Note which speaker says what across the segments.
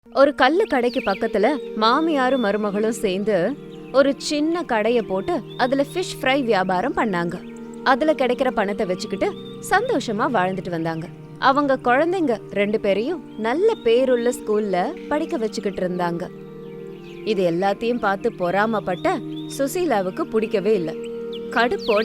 Speaker 1: ஒரு கல்லு கடைக்கு பக்கத்துல மாமியாரும் மருமகளும் சேர்ந்து ஒரு சின்ன கடைய போட்டு அதுல ஃபிஷ் ஃப்ரை வியாபாரம் பண்ணாங்க. அதுல கிடைக்கிற பணத்தை வச்சுக்கிட்டு சந்தோஷமா வாழ்ந்துட்டு வந்தாங்க. அவங்க குழந்தைங்க 2 பேரையும் நல்ல பேருள்ள ஸ்கூல்ல படிக்க வச்சுக்கிட்டு இருந்தாங்க. இது எல்லாத்தையும் பார்த்து பொறாமப்பட்ட சுசீலாவுக்கு பிடிக்கவே இல்லை. கடுப்போட,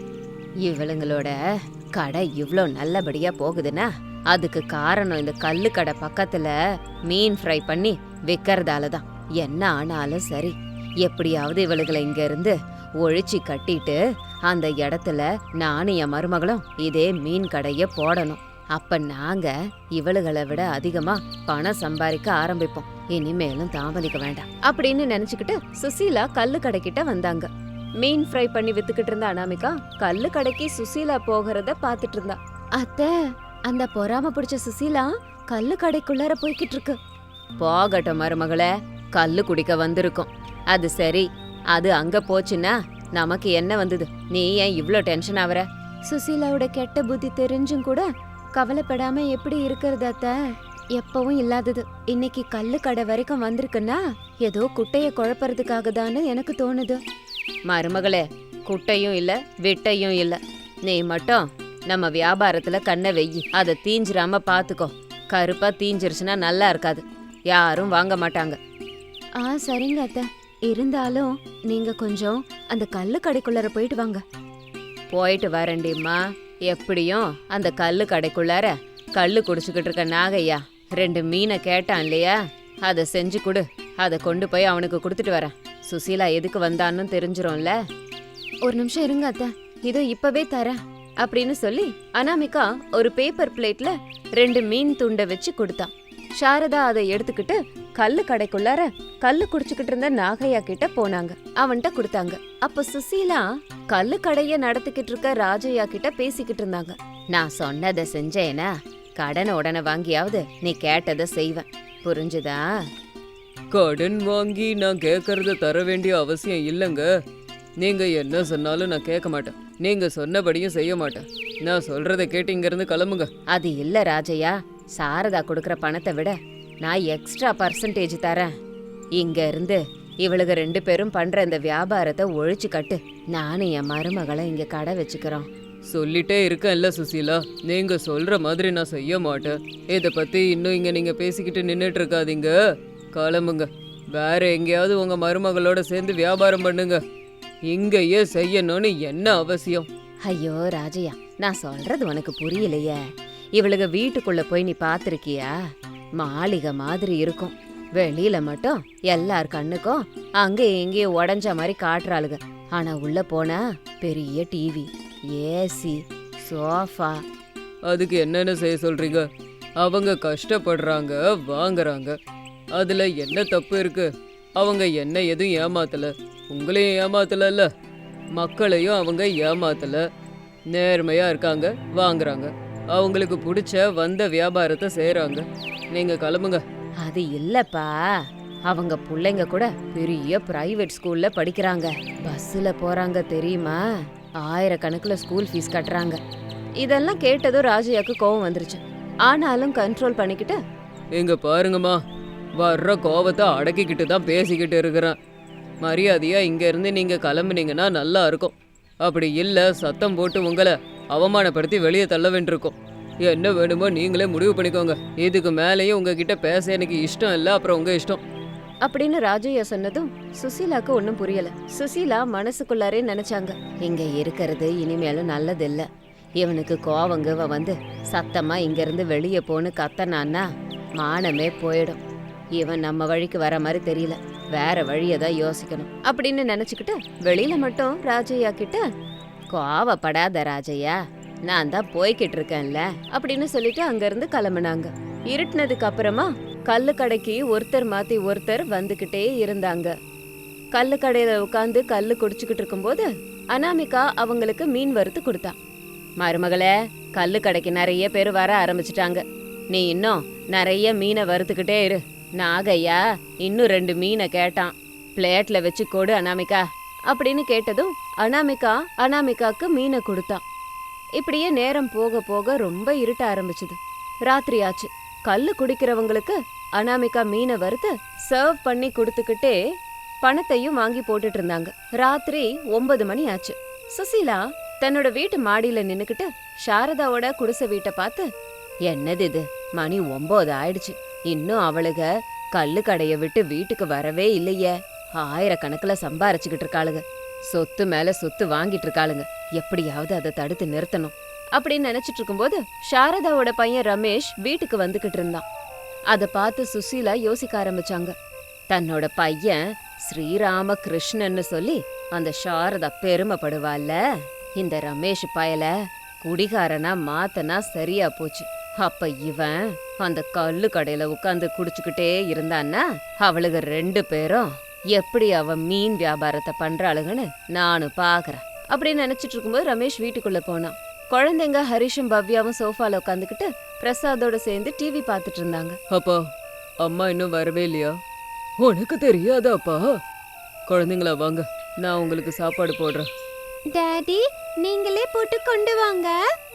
Speaker 1: இவளுங்களோட கடை இவ்ளோ நல்லபடியா போகுதுன்னா அதுக்கு காரணம் இந்த கல்லு கடை பக்கத்துல மீன் ஃப்ரை பண்ணி விற்கறதால தான். என்ன ஆனாலும் சரி, எப்படியாவது இவளுகளை இங்க இருந்து ஒழிச்சு கட்டிட்டு அந்த இடத்துல நானும் என் மருமகளும் இதே மீன் கடைய போடணும். அப்ப நாங்க இவளுகளை விட அதிகமா பணம் சம்பாதிக்க ஆரம்பிப்போம். இனிமேலும் தாமதிக்க வேண்டாம் அப்படின்னு நினைச்சுக்கிட்டு சுசீலா கல்லு கடைக்கிட்ட வந்தாங்க. மீன் ஃப்ரை பண்ணி வித்துக்கிட்டு இருந்த அனாமிகா கல்லு கடைக்கு சுசீலா போகிறத பாத்துட்டு இருந்தா. அத்தை, அந்த பொறாம பிடிச்ச சுசீலா கல்லு கடைக்குள்ளார போய்கிட்டு இருக்கு. போகட்டும் மருமகளே, கல்லு குடிக்க வந்திருக்கும். அது சரி, அது அங்க போச்சுன்னா நமக்கு என்ன வந்தது? நீ ஏன் இவ்ளோ டென்ஷன் ஆவற? சுசீலாவோட கெட்ட புத்தி தெரிஞ்சும் கூட கவலைப்படாம எப்படி இருக்கிறது அத்தை? எப்பவும் இல்லாதது இன்னைக்கு கல்லு கடை வரைக்கும் வந்திருக்குன்னா ஏதோ குட்டைய குழப்பறதுக்காக தானே எனக்கு தோணுது. மருமகளே, குட்டையும் இல்ல விட்டையும் இல்ல. நீ மட்டும் நம்ம வியாபாரத்துல கண்ணை வெயி, அதை தீஞ்சிராம பாத்துக்கோ. கருப்பா தீஞ்சிருச்சுன்னா நல்லா இருக்காது, யாரும் வாங்க மாட்டாங்க. சரிங்க அத்தை, இருந்தாலும் நீங்க கொஞ்சம் அந்த கல்லு கடைக்குள்ளார போயிட்டு வாங்க. போயிட்டு வரேன்டிம்மா. எப்படியும் அந்த கல்லு கடைக்குள்ளார கல்லு குடிச்சுக்கிட்டு இருக்க நாகையா 2 மீனை கேட்டான் இல்லையா, அதை செஞ்சு கொடு. அதை கொண்டு போய் அவனுக்கு கொடுத்துட்டு வரேன். சுசீலா எதுக்கு வந்தான்னு தெரிஞ்சிரும்ல. ஒரு நிமிஷம் இருங்க அத்தை, இதோ இப்பவே தரேன் அப்படின்னு சொல்லி அனாமிகா ஒரு பேப்பர் பிளேட்ல 2 மீன் துண்டை வச்சு கொடுத்தான். சாரதா அதை எடுத்துக்கிட்டு கல்லு கடைக்குள்ளார கல்லு குடிச்சுக்கிட்டு இருந்த நாகையா கிட்ட போனாங்க. அவன்கிட்ட கொடுத்தாங்க. அப்ப சுசீலா கல்லு கடைய நடத்திக்கிட்டு இருக்க ராஜையா கிட்ட பேசிக்கிட்டு இருந்தாங்க. நான் சொன்னதை செஞ்சேனா கடனை உடனே வாங்கியாவது நீ கேட்டதை செய்வேன், புரிஞ்சுதா?
Speaker 2: கடன் வாங்கி நான் கேட்கறத தர வேண்டிய அவசியம் இல்லைங்க. நீங்க என்ன சொன்னாலும் நான் கேட்க மாட்டேன். நீங்க சொன்னபடியும் செய்ய மாட்டேன். நான் சொல்றதை கேட்டு இங்க இருந்து கிளம்புங்க.
Speaker 1: அது இல்ல ராஜையா, சாரதா கொடுக்கற பணத்தை விட நான் எக்ஸ்ட்ரா பர்சன்டேஜ் தரேன். இங்க இருந்து இவளுக்கு 2 பேரும் பண்ற இந்த வியாபாரத்தை ஒழிச்சு கட்டு. நானும் என் மருமகளை இங்க கடை வச்சுக்கிறோம்.
Speaker 2: சொல்லிட்டே இருக்கேன்ல சுசீலா, நீங்க சொல்ற மாதிரி நான் செய்ய மாட்டேன். இதை பத்தி இன்னும் இங்க நீங்க பேசிக்கிட்டு நின்னுட்டு இருக்காதீங்க. கிளம்புங்க. வேற எங்கேயாவது உங்க மருமகளோட சேர்ந்து வியாபாரம் பண்ணுங்க. இங்கேயே செய்யணும்னு என்ன அவசியம்?
Speaker 1: ஐயோ ராஜையா, நான் சொல்றது உனக்கு புரியலையே. இவளுக வீட்டுக்குள்ள போய் நீ பாத்திருக்கியா? மாளிகை மாதிரி இருக்கும். வெளியில மட்டும் எல்லார் கண்ணுக்கும் அங்க எங்கேயும் உடஞ்ச மாதிரி காட்டுறாளுக. ஆனா உள்ள போனா பெரிய டிவி, ஏசி, சோஃபா.
Speaker 2: அதுக்கு என்னென்ன செய்ய சொல்றீங்க? அவங்க கஷ்டப்படுறாங்க, வாங்குறாங்க. அதுல என்ன தப்பு இருக்கு? அவங்க என்ன எதுவும் ஏமாத்தல, உங்களையும் ஏமாத்தல, மக்களையும் அவங்க ஏமாத்தல. நேர்மையா இருக்காங்க, வாங்குறாங்க. அவங்களுக்கு பிடிச்ச வந்த வியாபாரத்தை செய்யறாங்க. நீங்க கிளம்புங்க.
Speaker 1: அது இல்லப்பா, அவங்க பிள்ளைங்க கூட பெரிய பிரைவேட் ஸ்கூல்ல படிக்கிறாங்க, பஸ்ல போறாங்க தெரியுமா? 1000 ஸ்கூல் ஃபீஸ் கட்டுறாங்க. இதெல்லாம் கேட்டதும் ராஜையாக்கு கோவம் வந்துருச்சு. ஆனாலும் கண்ட்ரோல் பண்ணிக்கிட்டு,
Speaker 2: இங்க பாருங்கம்மா, வர்ற கோவத்தை அடக்கிக்கிட்டு தான் பேசிக்கிட்டு இருக்கிறேன். மரியாதையா இங்க இருந்து நீங்க கிளம்புனீங்கன்னா நல்லா இருக்கும். அப்படி இல்ல சத்தம் போட்டு உங்களை அவமானப்படுத்தி வெளியே தள்ள வேண்டியிருக்கும். என்ன வேணுமோ நீங்களே முடிவு பண்ணிக்கோங்க. இதுக்கு மேலேயும் உங்ககிட்ட பேச எனக்கு இஷ்டம் இல்லை. அப்புறம் உங்க இஷ்டம்
Speaker 1: அப்படின்னு ராஜையா சொன்னதும் சுசீலாக்கு ஒன்னும் புரியல. சுசீலா மனசுக்குள்ளாரே நினைச்சாங்க, இங்க இருக்கிறது இனிமேலும் நல்லதில்ல. இவனுக்கு கோவங்க வந்து சத்தமா இங்க இருந்து வெளியே போன்னு கத்தனான்னா மானமே போயிடும். இவன் நம்ம வழிக்கு வர மாதிரி தெரியல, வேற வழியதான் யோசிக்கணும் அப்படின்னு நினைச்சுக்கிட்டு வெளியில மட்டும் ராஜையா கிட்ட, கோவப்படாத ராஜையா, நான் தான் போய்கிட்டு இருக்கேன்ல அப்படின்னு சொல்லிட்டு அங்க இருந்து கிளம்புனாங்க. இருட்டுனதுக்கு அப்புறமா கல்லு கடைக்கு ஒருத்தர் மாத்தி ஒருத்தர் வந்துகிட்டே இருந்தாங்க. கல்லு கடையில உட்காந்து கல்லு குடிச்சுக்கிட்டு இருக்கும்போது அனாமிகா அவங்களுக்கு மீன் வறுத்து கொடுத்தா. மருமகளே, கல்லு கடைக்கு நிறைய பேர் வர ஆரம்பிச்சிட்டாங்க. நீ இன்னும் நிறைய மீனை வறுத்துக்கிட்டே இரு. நாகையா இன்னும் 2 மீனை கேட்டான், பிளேட்ல வச்சு கொடு அனாமிகா அப்படின்னு கேட்டதும் அனாமிகாக்கு மீனை கொடுத்தான். இப்படியே நேரம் போக போக ரொம்ப இருட்ட ஆரம்பிச்சுது. ராத்திரி ஆச்சு. கல்லு குடிக்கிறவங்களுக்கு அனாமிகா மீனை வறுத்து சர்வ் பண்ணி கொடுத்துக்கிட்டே பணத்தையும் வாங்கி போட்டுட்டு இருந்தாங்க. ராத்திரி 9 மணி ஆச்சு. சுசீலா தன்னோட வீட்டு மாடியில நின்னுக்கிட்டு சாரதாவோட குடிசை வீட்டை பார்த்து, என்னது இது, மணி 9 ஆயிடுச்சு, இன்னும் அவளுக கல்லு கடைய விட்டு வீட்டுக்கு வரவே இல்லையே, ஆயிரக்கணக்கில் சம்பாரிச்சுக்கிட்டு இருக்காளுங்க, சொத்து மேல சொத்து வாங்கிட்டு இருக்காளுங்க, எப்படியாவது அதை தடுத்து நிறுத்தணும் அப்படின்னு நினைச்சிட்டு இருக்கும்போது சாரதாவோட பையன் ரமேஷ் வீட்டுக்கு வந்துகிட்டு இருந்தான். அதை பார்த்து சுசீலா யோசிக்க ஆரம்பிச்சாங்க. தன்னோட பையன் ஸ்ரீராம கிருஷ்ணன்னு சொல்லி அந்த சாரதா பெருமைப்படுவாள்ல, இந்த ரமேஷ் பயல குடிகாரனா மாத்தனா சரியா போச்சு. அப்ப இவன் அந்த கல்லு கடையில உட்காந்து குடிச்சுக்கிட்டே இருந்தான்னா அவளுக 2 பேரும் எப்படி அவ மீன் வியாபாரத்தை பண்றாளுங்கன்னு நானும் பாக்குறேன் அப்படின்னு நினைச்சிட்டு இருக்கும்போது ரமேஷ் வீட்டுக்குள்ள போனான். குழந்தைங்க ஹரிஷும் பவ்யாவும் சோஃபால உட்காந்துக்கிட்டு பிரசாதோட சேர்ந்து டிவி பார்த்துட்டு இருந்தாங்க.
Speaker 2: அப்பா, அம்மா இன்னும் வரவே இல்லையா? உனக்கு தெரியாதாப்பா? குழந்தைங்களா வாங்க, நான் உங்களுக்கு சாப்பாடு போடுறேன்.
Speaker 1: டாடி, நீங்களே போட்டு கொண்டு வாங்க.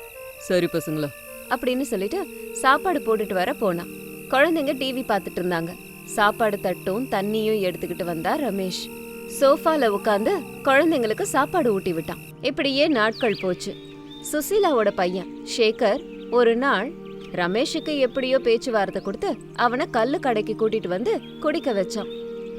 Speaker 2: சரி பசங்களா
Speaker 1: அப்படின்னு சொல்லிட்டு சாப்பாடு போட்டுட்டு வர போனான். குழந்தைங்க டிவி பார்த்துட்டு இருந்தாங்க. சாப்பாடு தட்டும் தண்ணியும் எடுத்துக்கிட்டு வந்தா ரமேஷ். சோஃபால உட்காந்து குழந்தைங்களுக்கு சாப்பாடு ஊட்டி விட்டான். இப்படியே நாட்கள் போச்சு. சுசீலாவோட பையன் சேகர் ஒரு நாள் ரமேஷுக்கு எப்படியோ பேச்சுவார்த்தை கொடுத்து அவனை கல்லு கடைக்கு கூட்டிட்டு வந்து குடிக்க வச்சான்.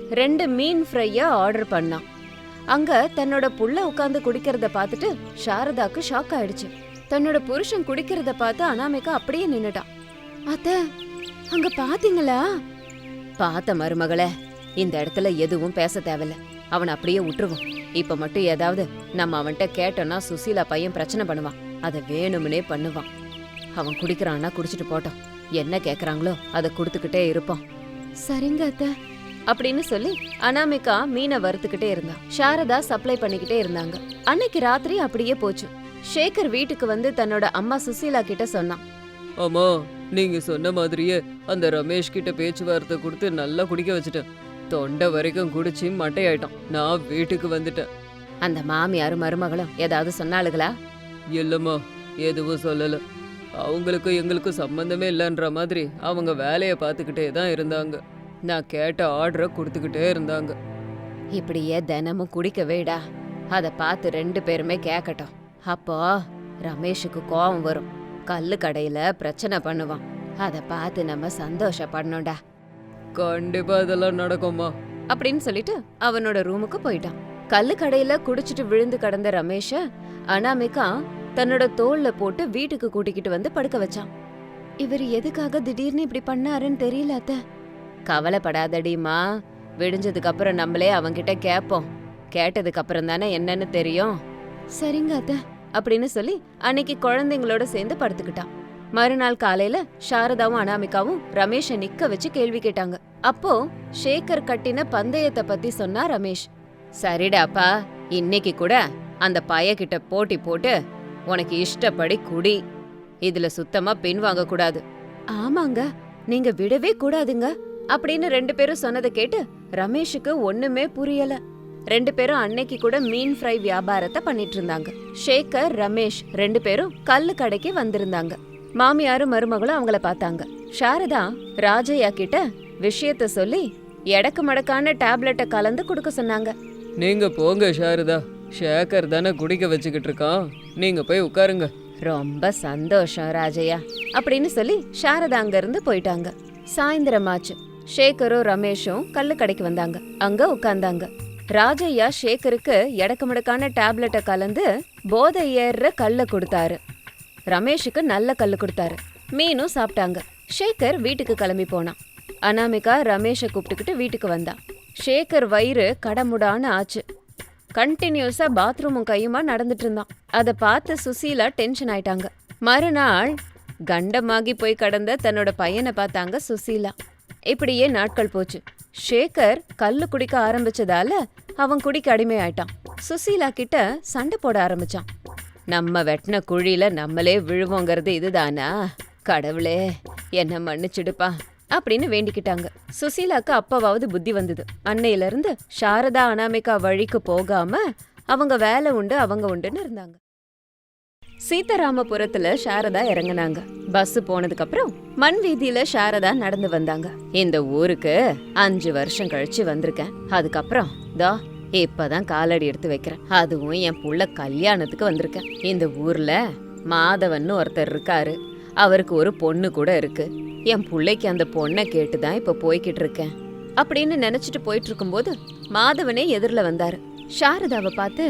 Speaker 1: 2 மீன் ஃப்ரைய ஆர்டர் பண்ணான். அங்க தன்னோட புள்ள உட்காந்து குடிக்கிறத பார்த்துட்டு சாரதாக்கு ஷாக் ஆயிடுச்சு. தன்னோட புருஷன் குடிக்கிறத பார்த்து அனாமிகா அப்படியே நின்னுட்டான். அத்த, அங்க பாத்தீங்களா? பார்த்த மருமகளே, இந்த இடத்துல எதுவும் பேச தேவையில்ல, அவன் அப்படியே விட்டுருவோம். இப்ப மட்டும் ஏதாவது நம்ம அவன்கிட்ட கேட்டோம்னா சுசீலா பையன் பிரச்சனை பண்ணுவான், அதை வேணும்னே பண்ணுவான். அவன் குடிக்கிறான்னா குடிச்சிட்டு போட்டோம், என்ன கேக்குறாங்களோ அதை கொடுத்துக்கிட்டே இருப்போம். சரிங்க அத்த அப்படின்னு சொல்லி அனாமிகா மீனை வறுத்துக்கிட்டே இருந்தா. சாரதா சப்ளை பண்ணிக்கிட்டே இருந்தாங்க. அன்னைக்கு ராத்திரி அப்படியே போச்சு. சேகர் வீட்டுக்கு வந்து தன்னோட அம்மா சுசீலா கிட்ட சொன்னான்.
Speaker 2: அம்மா, நீங்க சொன்ன மாதிரியே அந்த ரமேஷ் கிட்ட பேச்சுவார்த்தை கொடுத்து நல்லா குடிக்க வச்சுட்டேன். தொண்டை வரைக்கும் குடிச்சு மட்டையாயிட்டான். நான் வீட்டுக்கு வந்துட்டேன்.
Speaker 1: அந்த மாமியாரும் மருமகளும் ஏதாவது சொன்னாளுகளா?
Speaker 2: இல்லம்மா, எதுவும் சொல்லல. அவங்களுக்கும் எங்களுக்கும் சம்பந்தமே இல்லைன்ற மாதிரி அவங்க வேலையை பார்த்துக்கிட்டே தான் இருந்தாங்க. நான் கேட்ட ஆர்டரை கொடுத்துக்கிட்டே இருந்தாங்க.
Speaker 1: இப்படியே தினமும் குடிக்க வேடா, அதை பார்த்து 2 பேருமே கேட்கட்டும். அப்போ ரமேஷுக்கு கோபம் வரும், கல்லு கடையில பிரச்சனை பண்ணுவான். அதை பார்த்து நம்ம சந்தோஷப்படணும்டா.
Speaker 2: கண்டிப்பா இதெல்லாம் நடக்கும்மா
Speaker 1: அப்படின்னு சொல்லிட்டு அவனோட ரூமுக்கு போயிட்டான். கல்லு கடையில குடிச்சிட்டு விழுந்து கிடந்த ரமேஷ அனாமிகா தன்னோட தோல்ல போட்டு வீட்டுக்கு கூட்டிக்கிட்டு வந்து படுக்க வச்சான். இவர் எதுக்காக திடீர்னு இப்படி பண்ணாருன்னு தெரியல அத்த. கவலைப்படாதடிமா, விடிஞ்சதுக்கு அப்புறம் நம்மளே அவன்கிட்ட கேட்போம். கேட்டதுக்கு அப்புறம் தானே என்னன்னு தெரியும். சரிங்க அத்த அப்படின்னு சொல்லி அன்னைக்கு குழந்தைங்களோட சேர்ந்து படுத்துக்கிட்டான். மறுநாள் காலையில சாரதாவும் அனாமிகாவும் ரமேஷ நிக்க வச்சு கேள்வி கேட்டாங்க. அப்போ சேகர் கட்டின பந்தயத்தை பத்தி சொன்னா ரமேஷ். சரிடாப்பா, இன்னைக்கு கூட அந்த பையகிட்ட போட்டி போட்டு உனக்கு இஷ்டப்படி குடி, இதுல சுத்தமா பின் வாங்க கூடாது. ஆமாங்க, நீங்க விடவே கூடாதுங்க அப்படின்னு 2 பேரும் சொன்னதை கேட்டு ரமேஷுக்கு ஒண்ணுமே புரியல. 2 பேரும் அன்னைக்கு கூட மீன் ஃப்ரை வியாபாரத்தை பண்ணிட்டு இருந்தாங்க. சேகர் ரமேஷ் 2 பேரும் கல்லு கடைக்கு வந்திருந்தாங்க. மாமியாரும் மருமகளும் அவங்கள பார்த்தாங்க. சாரதா ராஜையா கிட்ட விஷயத்த சொல்லி எடக்கு மடக்கான டேப்லெட்டை கலந்து கொடுக்க சொன்னாங்க.
Speaker 2: நீங்க போங்க சாரதா, சேகர் தானே குடிக்க வச்சுக்கிட்டு இருக்கான், நீங்க போய் உட்காருங்க.
Speaker 1: ரொம்ப சந்தோஷம் ராஜையா அப்படின்னு சொல்லி சாரதா அங்க இருந்து போயிட்டாங்க. சாயந்தரமாச்சு. சேகரும் ரமேஷும் கல்லு கடைக்கு வந்தாங்க. அங்க உட்கார்ந்தாங்க. ராஜையா சேகருக்கு எடக்கு மடக்கான டேப்லெட்டை கலந்து போதை ஏறுற கல்ல கொடுத்தாரு. ரமேஷுக்கு நல்ல கல்லு கொடுத்தாரு. மீனும் சாப்பிட்டாங்க. சேகர் வீட்டுக்கு கிளம்பி போனான். அனாமிகா ரமேஷை கூப்பிட்டுக்கிட்டு வீட்டுக்கு வந்தா. சேகர் வயிறு கடமுடான்னு ஆச்சு. கண்டினியூஸா பாத்ரூமும் கையுமா நடந்துட்டு இருந்தான். அதை பார்த்து சுசீலா டென்ஷன் ஆயிட்டாங்க. மறுநாள் கண்டமாகி போய் கடந்த தன்னோட பையனை பார்த்தாங்க சுசீலா. இப்படியே நாட்கள் போச்சு. சேகர் கல்லு குடிக்க ஆரம்பிச்சதால அவன் குடிக்க அடிமை ஆயிட்டான். சுசீலா கிட்ட சண்டை போட ஆரம்பிச்சான். நம்ம வெட்டின குழியில நம்மளே விழுவோங்கிறது இதுதானா? கடவுளே, என்ன மன்னிச்சிடுப்பா அப்படின்னு வேண்டிக்கிட்டாங்க. சுசீலாக்கு அப்பவாவது புத்தி வந்தது. அன்னையில இருந்து சாரதா அனாமிகா வழிக்கு போகாம அவங்க வேலை உண்டு அவங்க உண்டுன்னு இருந்தாங்க. சீதாராமபுரத்துல சாரதா இறங்குனாங்க. பஸ் போனதுக்கு அப்புறம் மண் வீதியில சாரதா நடந்து வந்தாங்க. இந்த ஊருக்கு 5 வருஷம் கழிச்சு வந்திருக்கேன். அதுக்கப்புறம் இப்பதான் காலடி எடுத்து வைக்கிறேன். அதுவும் என் புள்ள கல்யாணத்துக்கு வந்திருக்கேன். இந்த ஊர்ல மாதவன் ஒருத்தர் இருக்காரு. அவருக்கு ஒரு பொண்ணு கூட இருக்கு. என் புள்ளைக்கு அந்த பொண்ணை கேட்டுதான் இப்ப போய்கிட்டு இருக்கேன் அப்படின்னு நினைச்சிட்டு போயிட்டு இருக்கும்போது மாதவனே எதிரில வந்தாரு. சாரதாவை பார்த்து,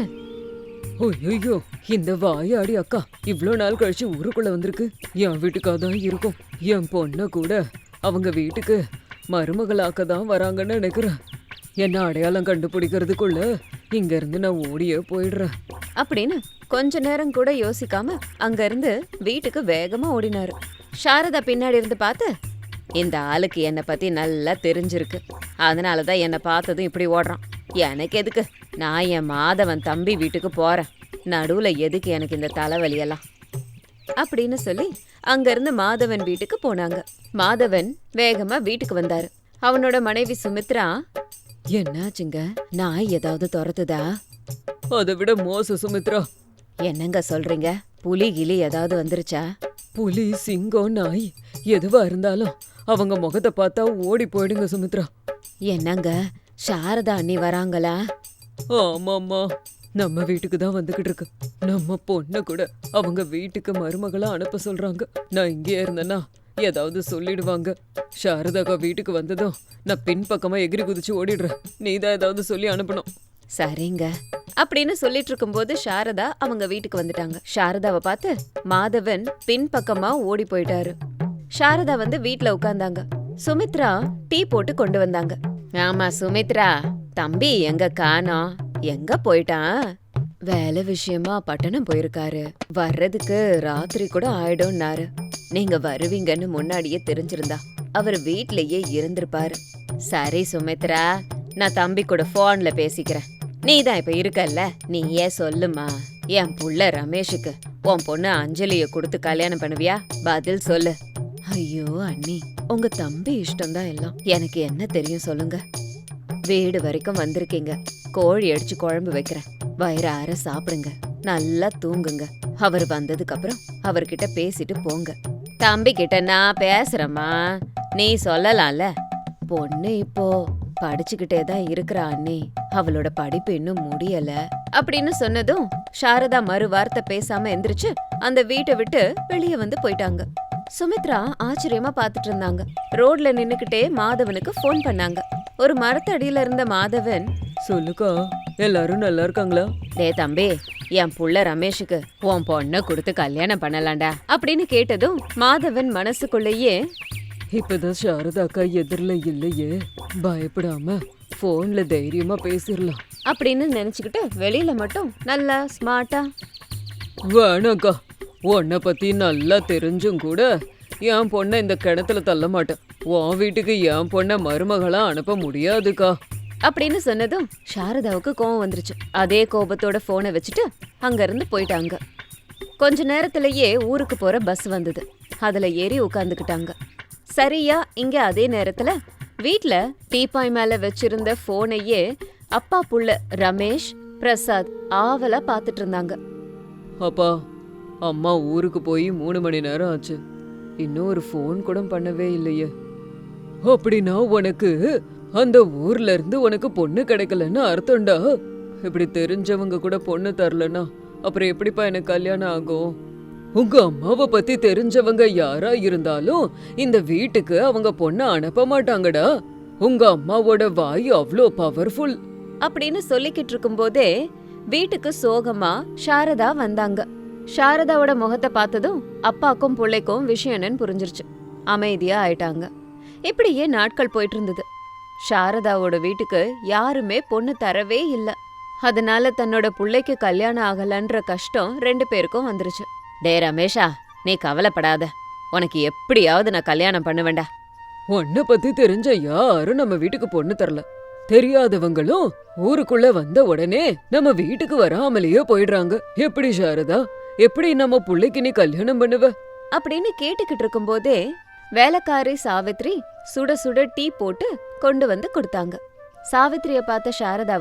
Speaker 2: ஐயோ, இந்த வாயாடி அக்கா இவ்ளோ நாள் கழிச்சு ஊருக்குள்ள வந்திருக்கு. என் வீட்டுக்காதான் இருக்கும். என் பொண்ண கூட அவங்க வீட்டுக்கு மருமகளாக்க தான் வராங்கன்னு நினைக்கிறேன். என்ன அடையாளம் கண்டுபிடிக்கிறதுக்குள்ள இங்க இருந்து நான் ஓடியே போயிடுறேன்
Speaker 1: அப்படின்னு கொஞ்ச நேரம் கூட யோசிக்காம அங்க இருந்து வீட்டுக்கு வேகமா ஓடினாரு. சாரதா பின்னாடி இருந்து பார்த்து, இந்த ஆளுக்கு என்னை பத்தி நல்லா தெரிஞ்சிருக்கு. அதனாலதான் என்னை பார்த்ததும் இப்படி ஓடுறான். எனக்கு எதுக்கு? நான் என் மாதவன் தம்பி வீட்டுக்கு போறேன். நடுவுல எதுக்கு எனக்கு இந்த தலைவலியெல்லாம் அப்படின்னு சொல்லி அங்க இருந்து மாதவன் வீட்டுக்கு போனாங்க. மாதவன் வேகமா வீட்டுக்கு வந்தாரு. அவனோட மனைவி சுமித்ரா, என்னாச்சுங்க? நாய் ஏதாவது துரத்துதா?
Speaker 2: அதை விட மோச சுமித்ரா.
Speaker 1: என்னங்க சொல்றீங்க? புலி கிளி ஏதாவது வந்துருச்சா?
Speaker 2: புலி, சிங்கம், நாய் எதுவா இருந்தாலும் அவங்க முகத்தை பார்த்தா ஓடி போயிடுங்க சுமித்ரா.
Speaker 1: என்னங்க, சாரதா அண்ணி வராங்களா?
Speaker 2: ஆமாம்மா, நம்ம வீட்டுக்கு தான் வந்துகிட்டு இருக்கு. நம்ம பொண்ணை கூட அவங்க வீட்டுக்கு மருமகளா அனுப்ப சொல்றாங்க. நான் இங்கே இருந்தேன்னா ஏதாவது சொல்லிடுவாங்க. சாரதாக்கா வீட்டுக்கு வந்ததும் நான் பின்பக்கமா எகிரி குதிச்சு ஓடிடுறேன். நீதான் ஏதாவது சொல்லி அனுப்பணும்.
Speaker 1: சரிங்க அப்படின்னு சொல்லிட்டு இருக்கும்போது சாரதா அவங்க வீட்டுக்கு வந்துட்டாங்க. சாரதாவை பார்த்து மாதவன் பின்பக்கமா ஓடி போயிட்டாரு. சாரதா வந்து வீட்ல உட்கார்ந்தாங்க. சுமித்ரா டீ போட்டு கொண்டு வந்தாங்க. ஆமா சுமித்ரா, தம்பி எங்க காணோம்? எங்க போயிட்டான்? வேலை விஷயமா பட்டணம் போயிருக்காரு. வர்றதுக்கு ராத்திரி கூட ஆயிடும்னாரு. நீங்க வருவீங்கன்னு முன்னாடியே தெரிஞ்சிருந்தா அவர் வீட்லயே இருந்திருப்பாரு. சரி சுமித்ரா, நான் தம்பி கூட போன்ல பேசிக்கிறேன். நீதான் இப்ப இருக்கல்ல, நீயே சொல்லுமா. என் புள்ள ரமேஷுக்கு உன் பொண்ணு அஞ்சலிய கொடுத்து கல்யாணம் பண்ணுவியா? பதில் சொல்லு. ஐயோ அண்ணி, உங்க தம்பி இஷ்டம்தான் எல்லாம். எனக்கு என்ன தெரியும் சொல்லுங்க. வீடு வரைக்கும் வந்திருக்கீங்க. கோழி அடிச்சு குழம்பு வைக்கிறேன். வயிறார சாப்பிடுங்க, நல்லா தூங்குங்க. அவர் வந்ததுக்கு அப்புறம் அவர்கிட்ட பேசிட்டு போங்க. தம்பி கிட்ட நான் பேசுறேம்மா, நீ சொல்லலாம்ல. பொண்ணு இப்போ படிச்சுக்கிட்டே தான் இருக்கிறா அண்ணி. அவளோட படிப்பு இன்னும் முடியல அப்படின்னு சொன்னதும் சாரதா மறு வார்த்தை பேசாம எந்திரிச்சு அந்த வீட்டை விட்டு வெளியே வந்து போயிட்டாங்க. சுமித்ரா ஆச்சரியமா பாத்துட்டு இருந்தாங்க. ரோட்ல நின்னுக்கிட்டே மாதவனுக்கு போன் பண்ணாங்க. ஒரு மரத்தடியில இருந்த மாதவன்,
Speaker 2: சொல்லுக்கா, எல்லாரும் நல்லா இருக்காங்களா?
Speaker 1: டே தம்பி, என் புள்ள ரமேஷுக்கு உன் பொண்ணை கொடுத்து கல்யாணம் பண்ணலாம்டா அப்படின்னு கேட்டதும் மாதவன் மனசுக்குள்ளேயே,
Speaker 2: இப்பதான் சாரதா அக்கா எதிரில இல்லையே, பயப்படாம போன்ல தைரியமா பேசிடலாம்
Speaker 1: அப்படின்னு நினைச்சுக்கிட்டு வெளியில மட்டும் நல்லா ஸ்மார்ட்டா,
Speaker 2: வேணாக்கா, உன்னை பத்தி நல்லா தெரிஞ்சும் கூட என் பொண்ணை இந்த கிணத்துல தள்ள மாட்டேன். உன் வீட்டுக்கு என் பொண்ணை மருமகளா அனுப்ப முடியாதுக்கா
Speaker 1: அப்படின்னு சொன்னதும் சாரதாவுக்கு கோவம் வந்துருச்சு. அதே கோபத்தோட போனை வச்சுட்டு அங்க இருந்து போயிட்டாங்க. கொஞ்ச நேரத்திலேயே ஊருக்கு போற பஸ் வந்தது. அதுல ஏறி உட்கார்ந்துக்கிட்டாங்க. சரியா இங்க அதே நேரத்துல வீட்ல டீப்பாய் மேல வச்சிருந்த போனையே அப்பா புள்ள ரமேஷ், பிரசாத் ஆவலா பாத்துட்டு இருந்தாங்க.
Speaker 2: அப்பா, அம்மா ஊருக்கு போய் 3 மணி நேரம் ஆச்சு. இன்னும் ஒரு ஃபோன் கூட பண்ணவே இல்லையே. அப்படின்னா உனக்கு அந்த ஊர்ல இருந்து உனக்கு பொண்ணு கிடைக்கலன்னு அர்த்தம்டா. இப்படி தெரிஞ்சவங்க கூட பொண்ணு தரலன்னா அப்புறம் எப்படிப்பா எனக்கு கல்யாணம் ஆகும்? உங்க அம்மாவை பத்தி தெரிஞ்சவங்க யாரா இருந்தாலும் இந்த வீட்டுக்கு அவங்க பொண்ணை அனுப்ப மாட்டாங்கடா. உங்க அம்மாவோட வாய் அவ்வளோ பவர்ஃபுல்
Speaker 1: அப்படின்னு சொல்லிக்கிட்டு இருக்கும்போதே வீட்டுக்கு சோகமா சாரதா வந்தாங்க. சாரதாவோட முகத்தை பார்த்ததும் அப்பாக்கும் பிள்ளைக்கும் விஷயம் என்னன்னு புரிஞ்சிருச்சு. அமைதியா ஆயிட்டாங்க. இப்படியே நாட்கள் போயிட்டு இருந்தது. சாரதாவோட வீட்டுக்கு யாருமே பொண்ணு தரவே இல்லை. அதனால தன்னோட புள்ளைக்கு கல்யாணம் ஆகலன்ற கஷ்டம் 2 பேருக்கும் வந்துருச்சு. டே ரமேஷா, நீ கவலைப்படாத, உனக்கு எப்படியாவது நான் கல்யாணம் பண்ணுவேண்டா.
Speaker 2: உன்னை பத்தி தெரிஞ்ச யாரும் நம்ம வீட்டுக்கு பொண்ணு தரல. தெரியாதவங்களும் ஊருக்குள்ள வந்த உடனே நம்ம வீட்டுக்கு வராமலேயே போயிடுறாங்க. எப்படி சாரதா, எப்படி நம்ம புள்ளைக்கு நீ கல்யாணம் பண்ணுவ?
Speaker 1: அப்படின்னு கேட்டுக்கிட்டு இருக்கும்போதே வேலைக்காரி சாவித்ரி சுட சுட டீ போட்டு கொண்டு வந்து கொடுத்தாங்க. சாவித்ரிய பார்த்த சாரதாவுக்கு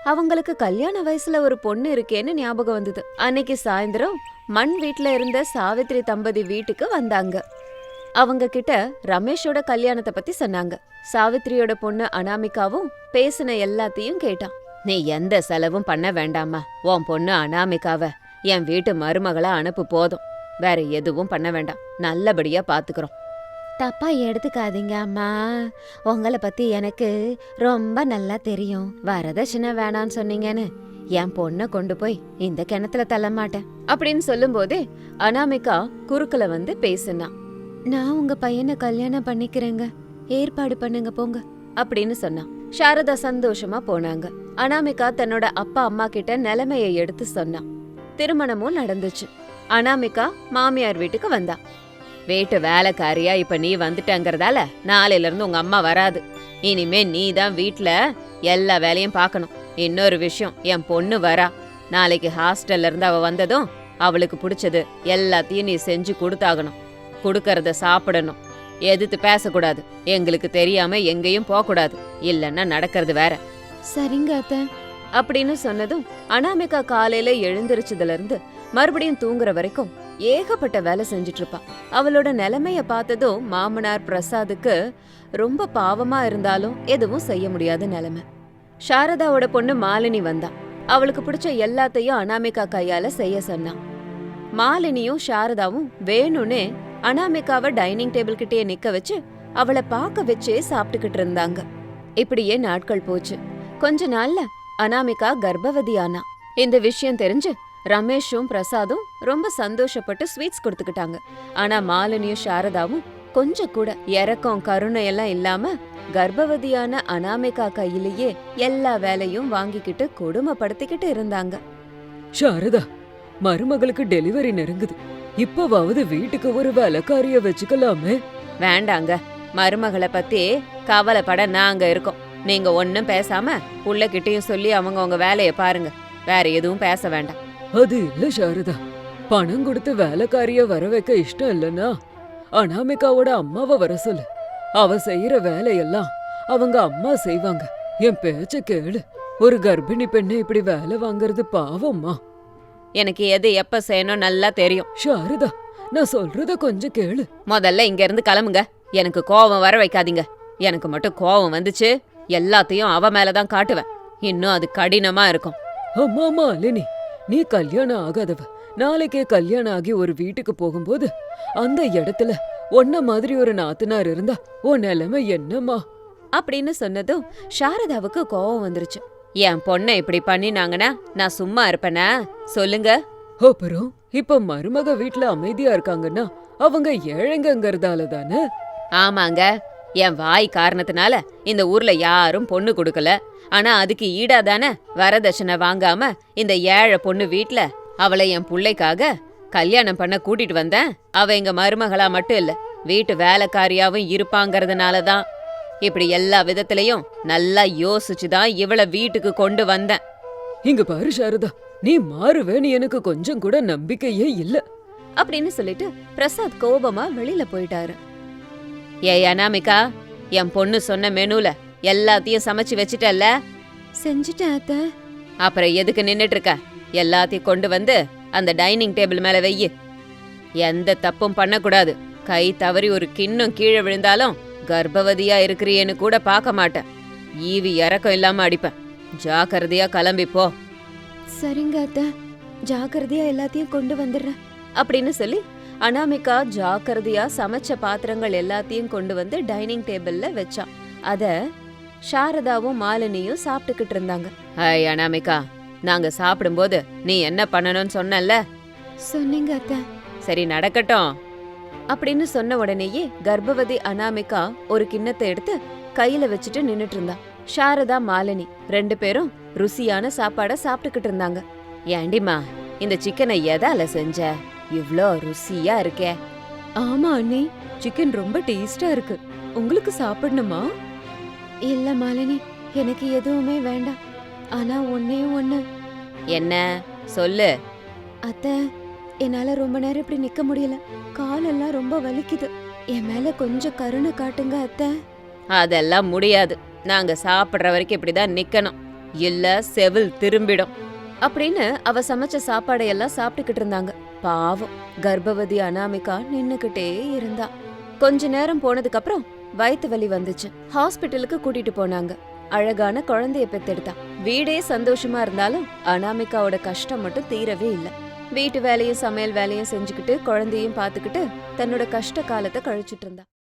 Speaker 1: அவங்களுக்கு கல்யாண வயசுல ஒரு பொண்ணு இருக்கேன்னு ஞாபகம் வந்தது. அன்னைக்கு சாயந்தரம் மண் வீட்ல இருந்த சாவித்ரி தம்பதி வீட்டுக்கு வந்தாங்க. அவங்க கிட்ட ரமேஷோட கல்யாணத்தை பத்தி சொன்னாங்க. சாவித்ரியோட பொண்ணு அனாமிகாவும் பேசின எல்லாத்தையும் கேட்டான். நீ எந்த செலவும் பண்ண வேண்டாமா, உன் பொண்ணு அனாமிகாவ என் வீட்டு மருமகளா அனுப்பு போதும், வேற எதுவும் பண்ண வேண்டாம், நல்லபடியா பாத்துக்கிறோம். தப்பா எடுத்துக்காதீங்க அம்மா, உங்களை பத்தி எனக்கு ரொம்ப நல்லா தெரியும். வரதட்சணை வேணான்னு சொன்னீங்கன்னு என் பொண்ணை கொண்டு போய் இந்த கிணத்துல தள்ள மாட்டேன் அப்படின்னு சொல்லும் போதே அனாமிகா குறுக்கல வந்து பேசுனா. நான் உங்க பையனை கல்யாணம் பண்ணிக்கிறேங்க, ஏற்பாடு பண்ணுங்க போங்க அப்படின்னு சொன்னா. சாரதா சந்தோஷமா போனாங்க. அனாமிகா தன்னோட அப்பா அம்மா கிட்ட நிலைமைய எடுத்து சொன்னா. திருமணமும் நடந்துச்சு. அனாமிகா மாமியார் வீட்டுக்கு வந்தா. வீட்டு வேலைக்காரியா இப்ப நீ வந்துட்டங்கிறதால நாளையில இருந்து உங்க அம்மா வராது. இனிமே நீ தான் வீட்ல எல்லா வேலையும் பார்க்கணும். இன்னொரு விஷயம், என் பொண்ணு வரா. நாளைக்கு ஹாஸ்டல்ல இருந்து அவ வந்ததும் அவளுக்கு பிடிச்சது எல்லாத்தையும் நீ செஞ்சு கொடுத்தாகணும். கொடுக்கறத சாப்பிடணும். எதிர்த்து பேசக்கூடாது. எங்களுக்கு தெரியாம எங்கேயும் போகக்கூடாது. இல்லன்னா நடக்கிறது வேற. சரிங்க அத்த அப்படின்னு சொன்னதும் அனாமிகா காலையில எழுந்திருச்சதுல இருந்து மறுபடியும் தூங்குற வரைக்கும் ஏகப்பட்ட வேலை செஞ்சுட்டு இருப்பா. அவளோட நிலைமைய பார்த்ததும் மாமனார் பிரசாதுக்கு ரொம்ப பாவமா இருந்தாலும் எதுவும் செய்ய முடியாத நிலைமை. சாரதாவோட பொண்ணு மாலினி வந்தா. அவளுக்கு பிடிச்ச எல்லாத்தையும் அனாமிகா கையால செய்ய சொன்னா. மாலினியும் சாரதாவும் வேணும்னே அனாமிகாவை டைனிங் டேபிள் கிட்டே நிக்க வச்சு அவளை பார்க்க வச்சே சாப்பிட்டுக்கிட்டு இருந்தாங்க. இப்படியே நாட்கள் போச்சு. கொஞ்ச நாள்ல அனாமிகா கர்ப்பவதி ஆனா. இந்த விஷயம் தெரிஞ்சு ரமேஷும் பிரசாதும் ரொம்ப சந்தோஷப்பட்டு ஸ்வீட்ஸ் கொடுத்துக்கிட்டாங்க. ஆனா மாலினியும் சாரதாவும் கொஞ்சம் கூட இரக்கம் கருணை எல்லாம் இல்லாம கர்ப்பவதியான அனாமிகா கையிலேயே எல்லா வேலையும் வாங்கிக்கிட்டு கொடுமைப்படுத்திக்கிட்டு இருந்தாங்க.
Speaker 2: சாரதா, மருமகளுக்கு டெலிவரி நெருங்குது. இப்பவாவது வீட்டுக்கு ஒரு வேலைக்காரிய வச்சுக்கலாமே.
Speaker 1: வேண்டாங்க, மருமகளை பத்தி கவலைப்பட நாங்க இருக்கோம். நீங்க ஒன்னும் பேசாம புள்ளகிட்டையும் சொல்லி அவங்க உங்க வேலைய பாருங்க. வேற எதுவும் பேச வேண்டாம்.
Speaker 2: அது இல்ல சாரதா, பணம் கொடுத்து வேலைக்காரிய வர வைக்க இஷ்டம் இல்லனா அனாமிகாவோட அம்மாவை வர சொல்லு. அவ செய்யற வேலையெல்லாம் அவங்க அம்மா செய்வாங்க. என் பேச்ச கேளு. ஒரு கர்ப்பிணி பெண்ணை இப்படி வேலை வாங்குறது பாவம்மா.
Speaker 1: எனக்கு எது எப்ப செய்யணும் நல்லா தெரியும்.
Speaker 2: சாரதா, நான் சொல்றத கொஞ்சம் கேளு.
Speaker 1: முதல்ல இங்க இருந்து கிளம்புங்க. எனக்கு கோவம் வர வைக்காதீங்க. எனக்கு மட்டும் கோவம் வந்துச்சு எல்லாத்தையும் அவ மேலதான் காட்டுவேன். இன்னும் அது கடினமா இருக்கும்.
Speaker 2: அம்மா மாலினி, நீ கல்யாணம் ஆகாதவ. நாளைக்கே கல்யாணம் ஆகி ஒரு வீட்டுக்கு போகும்போது அந்த இடத்துல உன்ன மாதிரி ஒரு நாத்தனார் இருந்தா உன் நிலைமை என்னம்மா
Speaker 1: அப்படின்னு சொன்னதும் சாரதாவுக்கு கோவம் வந்துருச்சு. என் பொண்ணை இப்படி பண்ணினாங்கன்னா நான் சும்மா இருப்பேனா சொல்லுங்க.
Speaker 2: அப்புறம் இப்ப மருமக வீட்டுல அமைதியா இருக்காங்கன்னா அவங்க ஏழைங்கங்கறதால தானே?
Speaker 1: ஆமாங்க, என் வாய் காரணத்தினால இந்த ஊர்ல யாரும் பொண்ணு கொடுக்கல. ஆனா அதுக்கு ஈடா தானே வரதட்சணை வாங்காம இந்த ஏழை பொண்ணு வீட்ல அவளை என் புள்ளைக்காக கல்யாணம் பண்ண கூட்டிட்டு வந்தேன். அவ எங்க மருமகளா மட்டும் இல்ல, வீட்டு வேலைக்காரியாவும் இருப்பாங்கறதுனாலதான். இப்படி எல்லா விதத்திலையும் நல்லா யோசிச்சுதான் இவளை வீட்டுக்கு கொண்டு வந்தேன்.
Speaker 2: இங்க பாரு சாரதா, நீ மாறுவேன்னு எனக்கு கொஞ்சம் கூட நம்பிக்கையே இல்ல
Speaker 1: அப்படின்னு சொல்லிட்டு பிரசாத் கோபமா வெளியில போயிட்டாரு. ஏய் அனாமிகா, என் பொண்ணு சொன்ன மெனுல எல்லாத்தையும் சமைச்சு வச்சிட்டல்ல? செஞ்சுட்டேன் அத்த. அப்புறம் எதுக்கு நின்னுட்டு இருக்க? எல்லாத்தையும் கொண்டு வந்து அந்த டைனிங் டேபிள் மேல வெய்யு. எந்த தப்பும் பண்ணக்கூடாது. கை தவறி ஒரு கிண்ணம் கீழே விழுந்தாலும் கர்ப்பவதியா இருக்கிறியேன்னு கூட பார்க்க மாட்டேன். ஈவி இறக்கம் இல்லாம அடிப்பேன். ஜாக்கிரதையா கிளம்பி போ. சரிங்க அத்த, ஜாக்கிரதையா எல்லாத்தையும் கொண்டு வந்துடுறேன் அப்படின்னு சொல்லி அனாமிகா ஜாக்கிரதையா சமைச்ச பாத்திரங்கள் எல்லாத்தையும் கொண்டு வந்து டைனிங் டேபிள்ல வச்சான். அத சாரதாவும் மாலினியும் சாப்பிட்டுக்கிட்டு இருந்தாங்க. ஹாய் அனாமிகா, நாங்க சாப்பிடும்போது நீ என்ன பண்ணணும்னு சொன்னல? சொன்னீங்க அத்த. சரி நடக்கட்டும் அப்படின்னு சொன்ன உடனேயே கர்ப்பவதி அனாமிகா ஒரு கிண்ணத்தை எடுத்து கையில வச்சுட்டு நின்னுட்டு இருந்தா. சாரதா மாலினி ரெண்டு பேரும் ருசியான சாப்பாட சாப்பிட்டுக்கிட்டு இருந்தாங்க. ஏண்டிமா, இந்த சிக்கனை எதால செஞ்ச? இவ்ளோ ருசியா இருக்கே. ஆமா அண்ணி, சிக்கன் ரொம்ப டேஸ்டா இருக்கு. உங்களுக்கு சாப்பிடணுமா? இல்ல மாலினி, எனக்கு எதுவுமே வேண்டாம். ஆனா ஒன்னே ஒண்ணு. என்ன சொல்லு. அத்த, என்னால ரொம்ப நேரம் இப்படி நிக்க முடியல. காலெல்லாம் ரொம்ப வலிக்குது. என் மேல கொஞ்சம் கருணை காட்டுங்க அத்த. அதெல்லாம் முடியாது. நாங்க சாப்பிடுற வரைக்கும் இப்படிதான் நிக்கணும். இல்ல செவில் திரும்பிடும் அப்படின்னு அவ சமைச்ச சாப்பாடையெல்லாம் சாப்பிட்டுக்கிட்டு இருந்தாங்க. பாவம் கர்ப்பவதி அனாமிகா நின்னுக்கிட்டே இருந்தா. கொஞ்ச நேரம் போனதுக்கு அப்புறம் வயித்து வலி வந்துச்சு. ஹாஸ்பிட்டலுக்கு கூட்டிட்டு போனாங்க. அழகான குழந்தைய பெத்தெடுத்தா. வீடே சந்தோஷமா இருந்தாலும் அனாமிகாவோட கஷ்டம் மட்டும் தீரவே இல்ல. வீட்டு வேலையும் சமையல் வேலையும் செஞ்சுக்கிட்டு குழந்தையும் பாத்துக்கிட்டு தன்னோட கஷ்ட காலத்தை கழிச்சிட்டு இருந்தா.